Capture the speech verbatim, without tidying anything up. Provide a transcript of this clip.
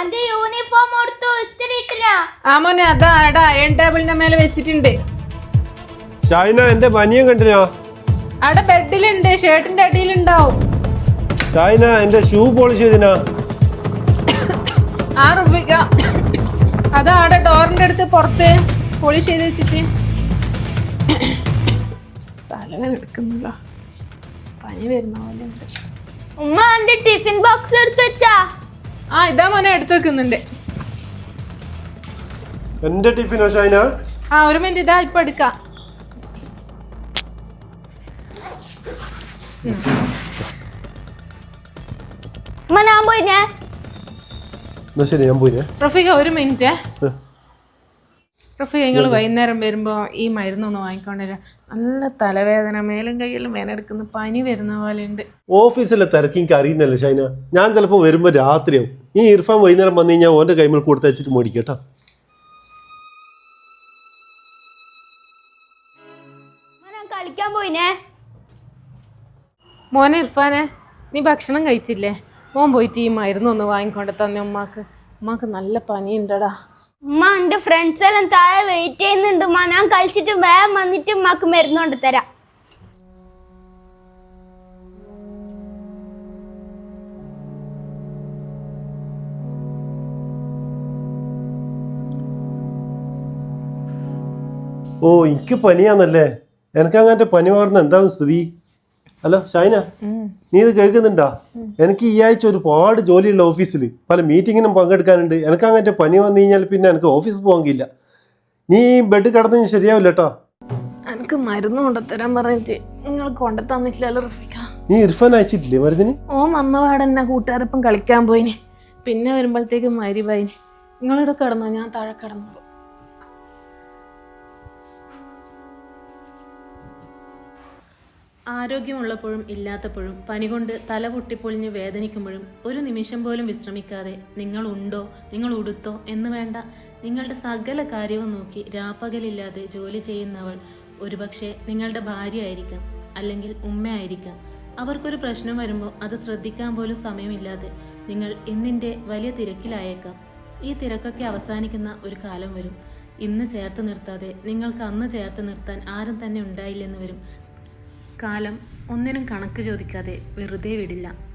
അന്റെ യൂണിഫോം എടുത്തു ഇസ്തിരി ഇട്ടിനാ? ആ മോനെ അതാ എടാ അയൺ ടേബിളിന്റെ മേലെ വെച്ചിട്ടുണ്ട്. ഷൈന എന്റെ ബനിയൻ കണ്ടിനാ? അവിടെ ബെഡിലുണ്ട്, ഷർട്ടിന്റെ അടിയിലുണ്ടാവും. ഷൈന എന്റെ ഷൂ പോളിഷ് ചെയ്തിനാ? ആ റുഫിക്ക അതാ അവിടെ ഡോറിന്റെ അടുത്ത് പുറത്ത് പോളിഷ് ചെയ്ത് വെച്ചിട്ട്. തലവേദന എടുക്കുന്നില്ല, പനി വരുന്ന പോലെ ഉണ്ട്. ഉമ്മ അന്റെ ടിഫിൻ ബോക്സ് എടുത്തു വെച്ചാ? ആ ഇതാ മോനെ എടുത്തു വെക്കുന്നുണ്ട്. എന്റെ ടിഫിനോ ഷൈന? ആ ഒരു മിനിറ്റ്, ഇതാ ഇപ്പൊ എടുക്കാം. ഉമ്മ ഞാൻ പോയിനെ. എന്നാ ശരി ഞാൻ പോയിനെ. റഫീഖ ഒരു മിനിറ്റ്. റഫീഖ നിങ്ങൾ വൈകുന്നേരം വരുമ്പോ ഈ മരുന്നൊന്ന് വാങ്ങിക്കൊണ്ടുവരാം. നല്ല തലവേദന, മേലും കയ്യിലും വേനെടുക്കുന്ന പനി വരുന്ന പോലെ ഉണ്ട്. ഓഫീസിലെ തിരക്ക് എനിക്ക് അറിയുന്നല്ലേ ഷൈന. ഞാൻ ചിലപ്പോ വരുമ്പോ രാത്രിയാവും. ഈ ഇർഫാൻ വൈകുന്നേരം വന്നു കഴിഞ്ഞാൽ ഓന്റെ കൈമേൽ കൊടുത്ത് വെച്ചിട്ട് മേടിക്കട്ടോ. കളിക്കാൻ പോയിനെ. മോനെ ഇർഫാനെ, നീ ഭക്ഷണം കഴിച്ചില്ലേ? മോൻ പോയിട്ട് ഈ മരുന്നൊന്ന് വാങ്ങിക്കൊണ്ട് തന്നെ ഉമ്മാക്ക്. ഉമ്മാക്ക് നല്ല പനിയുണ്ടടാ. ഉമ്മ എന്റെ ഫ്രണ്ട്സ് എല്ലാം താഴെ വെയിറ്റ് ചെയ്യുന്നുണ്ട്. ഉമ്മ ഞാൻ കളിച്ചിട്ട് വേഗം വന്നിട്ട് ഉമ്മാക്ക് മരുന്ന് കൊണ്ട് തരാം. ഓ എനിക്ക് പനിയാന്നല്ലേ? എനിക്ക് അങ്ങനത്തെ പനി മാറുന്ന എന്താവും സ്ഥിതി? ഹലോ ഷൈന, നീ ഇത് കേൾക്കുന്നുണ്ടാ? എനിക്ക് ഈ ആഴ്ച ഒരുപാട് ജോലിയുള്ള ഓഫീസിൽ പല മീറ്റിങ്ങിനും പങ്കെടുക്കാനുണ്ട്. എനിക്ക് അങ്ങനത്തെ പനി വന്നു കഴിഞ്ഞാൽ പിന്നെ എനിക്ക് ഓഫീസിൽ പോകാൻ കഴിയില്ല. നീ ബെഡ് കിടന്നു ശരിയാവില്ല കേട്ടോ. എനിക്ക് മരുന്ന് കൊണ്ടുത്തരാൻ പറഞ്ഞിട്ട് നിങ്ങൾ കൊണ്ടുതന്നിട്ടില്ലല്ലോ റഫീഖ. നീ ഇർഫാൻ അയച്ചിട്ടില്ലേ മരുന്നിന്? ഓ വന്നപാടെ എന്നെ കൂട്ടുകാരൊപ്പം കളിക്കാൻ പോയിന്. പിന്നെ വരുമ്പോഴത്തേക്കും മരിവായിന്. നിങ്ങളിവിടെ കിടന്നോ, ഞാൻ താഴെ കിടന്നോളൂ. ആരോഗ്യമുള്ളപ്പോഴും ഇല്ലാത്തപ്പോഴും പനി കൊണ്ട് തല പൊട്ടിപ്പൊളിഞ്ഞ് വേദനിക്കുമ്പോഴും ഒരു നിമിഷം പോലും വിശ്രമിക്കാതെ നിങ്ങൾ ഉണ്ടോ, നിങ്ങൾ ഉടുത്തോ എന്ന് വേണ്ട നിങ്ങളുടെ സകല കാര്യവും നോക്കി രാപ്പകലില്ലാതെ ജോലി ചെയ്യുന്നവൾ ഒരുപക്ഷെ നിങ്ങളുടെ ഭാര്യ ആയിരിക്കാം, അല്ലെങ്കിൽ ഉമ്മയായിരിക്കാം. അവർക്കൊരു പ്രശ്നം വരുമ്പോൾ അത് ശ്രദ്ധിക്കാൻ പോലും സമയമില്ലാതെ നിങ്ങൾ ഇന്നിൻ്റെ വലിയ തിരക്കിലായേക്കാം. ഈ തിരക്കൊക്കെ അവസാനിക്കുന്ന ഒരു കാലം വരും. ഇന്ന് ചേർത്ത് നിർത്താതെ നിങ്ങൾക്ക് അന്ന് ചേർത്ത് നിർത്താൻ ആരും തന്നെ ഉണ്ടായില്ലെന്ന് വരും. കാലം ഒന്നിനും കണക്ക് ചോദിക്കാതെ വെറുതെ വിടില്ല.